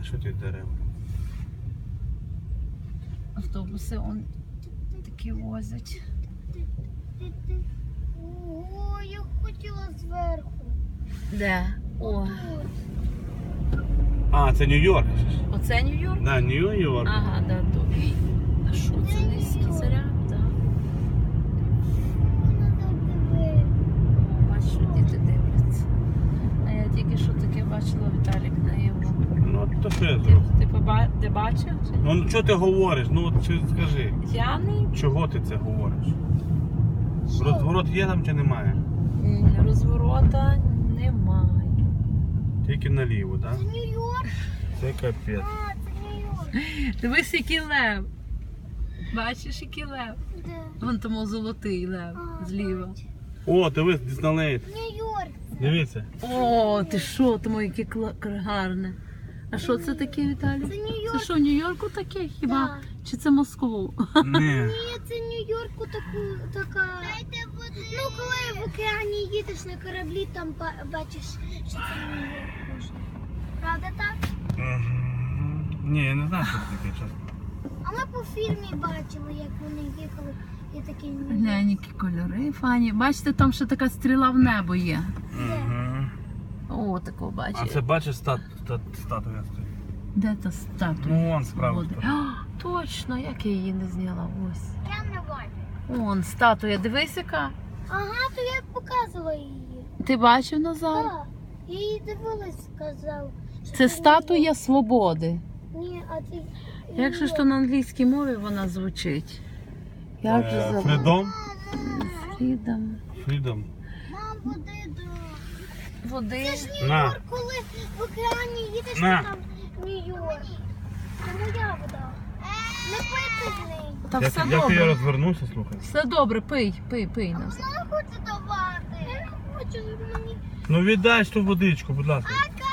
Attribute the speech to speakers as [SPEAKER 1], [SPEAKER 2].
[SPEAKER 1] що ти дерева?
[SPEAKER 2] Автобуси он такі возять.
[SPEAKER 3] О, я хотіла зверху.
[SPEAKER 2] Де? О,
[SPEAKER 1] А, це Нью-Йорк.
[SPEAKER 2] оце Нью-Йорк?
[SPEAKER 1] Да, Нью-Йорк.
[SPEAKER 2] Ага, да, то. А що це низький заряд? Так. Бачиш, що діти дивляться. А я тільки що таке бачила, Віталік, наяву.
[SPEAKER 1] Ну, то що я зроблю?
[SPEAKER 2] Ти бачив?
[SPEAKER 1] Ну, що ти говориш? Ну, от чи скажи.
[SPEAKER 2] Я не.
[SPEAKER 1] Чого ти це говориш? Розворот є там чи немає?
[SPEAKER 2] Розворота немає.
[SPEAKER 1] Тільки наліво, так?
[SPEAKER 3] Це Нью-Йорк?
[SPEAKER 1] Це капець.
[SPEAKER 3] А, це Нью-Йорк.
[SPEAKER 2] Дивись, який лев. Бачиш, який лев?
[SPEAKER 3] Де?
[SPEAKER 2] Вон тому золотий лев
[SPEAKER 3] А,
[SPEAKER 2] зліва.
[SPEAKER 3] бачу.
[SPEAKER 1] О, дивись, Діснейленд.
[SPEAKER 3] Нью-Йорк.
[SPEAKER 1] Дивіться.
[SPEAKER 2] О, ти що, тому яке гарне. А що це таке, Віталій?
[SPEAKER 3] Це
[SPEAKER 2] Це
[SPEAKER 3] Нью-Йорк.
[SPEAKER 2] що, в Нью-Йорку таке хіба?
[SPEAKER 3] Да.
[SPEAKER 2] Чи це Москву?
[SPEAKER 1] Ні.
[SPEAKER 3] Ні, це Нью-Йорку така. Ну, коли в океані їдеш на кораблі, там бачиш, що це Нью-Йорк можна. Правда так?
[SPEAKER 1] Ні, я не знаю, що це таке, чесно.
[SPEAKER 3] А ми по фільмі бачили, як вони їхали і такі Нью-Йорк.
[SPEAKER 2] Глянь, які кольори, фані. Бачите, там ще така стріла в небо є.
[SPEAKER 1] Угу.
[SPEAKER 2] О, такого
[SPEAKER 1] А
[SPEAKER 2] бачиш.
[SPEAKER 1] це бачиш статуя стоїть?
[SPEAKER 2] Де та статуя?
[SPEAKER 1] Ну, вон справа.
[SPEAKER 2] Свободи? А, точно, як я її не зняла. Ось.
[SPEAKER 3] Я не бачу.
[SPEAKER 2] Вон, статуя, дивись яка.
[SPEAKER 3] Ага, то я показувала її.
[SPEAKER 2] Ти бачив, Назар?
[SPEAKER 3] Так. Я її дивилась, сказав. що
[SPEAKER 2] Це статуя свободи.
[SPEAKER 3] Ні, а це...
[SPEAKER 2] Як же ж то на англійській мові вона звучить? Як же забула?
[SPEAKER 1] Фрідом?
[SPEAKER 2] Фрідом.
[SPEAKER 1] Фрідом.
[SPEAKER 3] Мам, води до...
[SPEAKER 2] Води.
[SPEAKER 3] Це ж
[SPEAKER 1] На.
[SPEAKER 3] Нью-Йорк, коли в океані їдеш,
[SPEAKER 1] На.
[SPEAKER 3] то там Нью-Йорк. Це моя вода. Не пити з неї.
[SPEAKER 2] Та все
[SPEAKER 1] Як я
[SPEAKER 2] добре.
[SPEAKER 1] розвернуся, слухай.
[SPEAKER 2] Все добре, пий, Назар.
[SPEAKER 3] Вона хоче давати. Я не хочу, щоб мені...
[SPEAKER 1] Ну віддай ж ту водичку, будь ласка.
[SPEAKER 3] Ака!